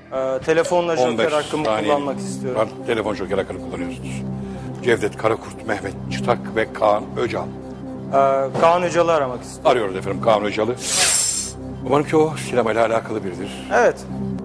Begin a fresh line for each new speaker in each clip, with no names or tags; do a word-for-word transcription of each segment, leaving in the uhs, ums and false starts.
Ee, telefonla
on beş
joker hakkımı
saniye
kullanmak istiyorum.
var. Telefon joker hakkını kullanıyorsunuz. Cevdet Karakurt, Mehmet Çıtak ve Kaan Öcal.
Ee, Kaan Öcal'ı aramak istiyorum.
Arıyoruz efendim Kaan Öcal'ı. Umarım ki o sinemayla alakalı biridir.
Evet.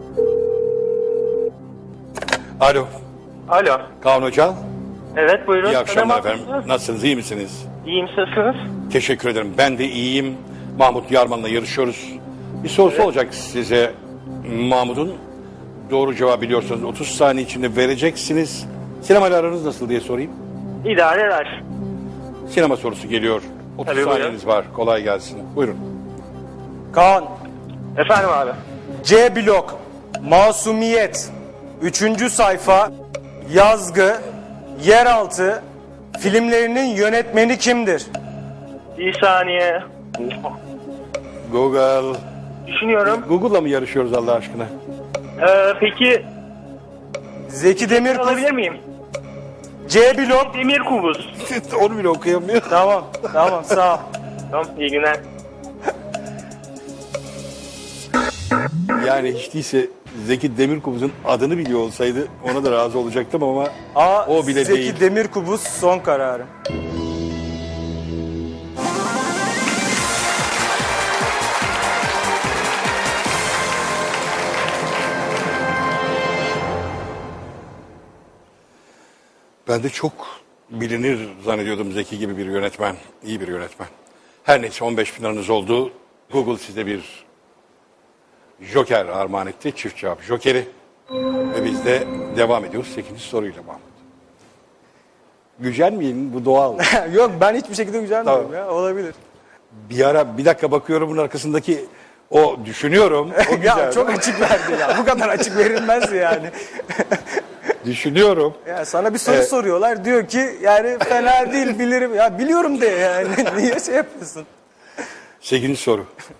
Alo,
Alo.
Kaan Öcal.
Evet buyurun.
İyi akşamlar
Tanımak
efendim.
mısınız?
Nasılsınız, iyi misiniz?
İyiyim nasılsınız?
Teşekkür ederim. Ben de iyiyim. Mahmut Yarman'la yarışıyoruz. Bir sorusu olacak size Mahmut'un. Doğru cevabı biliyorsanız otuz saniye içinde vereceksiniz. Sinemayla aranız nasıl diye sorayım.
İdare eder.
Sinema sorusu geliyor. otuz
Tabii,
saniyeniz var. Kolay gelsin. Buyurun.
Kaan.
Efendim abi.
C blok. Masumiyet. Üçüncü sayfa. Yazgı. Yeraltı. Filmlerinin yönetmeni kimdir?
Bir saniye.
Google.
Düşünüyorum.
Google'la mı yarışıyoruz Allah aşkına?
Ee, peki
Zeki Demirkubuz.
alabilir miyim?
C blok.
Demir Kubuz.
Onu bile okuyamıyor.
Tamam. Tamam sağ ol.
Tamam iyi günler.
Yani hiç değilse Zeki Demirkubuz'un adını biliyor olsaydı ona da razı olacaktım ama
A.
o bile
Zeki
değil.
Demirkubuz son kararı.
Ben de çok bilinir zannediyordum Zeki gibi bir yönetmen. İyi bir yönetmen. Her neyse on beş bin liranız oldu. Google size bir joker armağan etti. Çift cevap jokeri. Ve biz de devam ediyoruz sekizinci soruyla Mahmut. Gücenmeyin, bu doğal.
Yok ben hiçbir şekilde gücenmiyorum
Tamam.
ya. Olabilir.
Bir ara bir dakika bakıyorum bunun arkasındaki o düşünüyorum. O güzel.
Ya çok açık verdi ya. Bu kadar açık verilmez yani.
Düşünüyorum.
Ya sana bir soru
Evet.
soruyorlar. Diyor ki yani fena değil bilirim. Ya biliyorum de yani. Niye şey yapıyorsun?
sekizinci soru.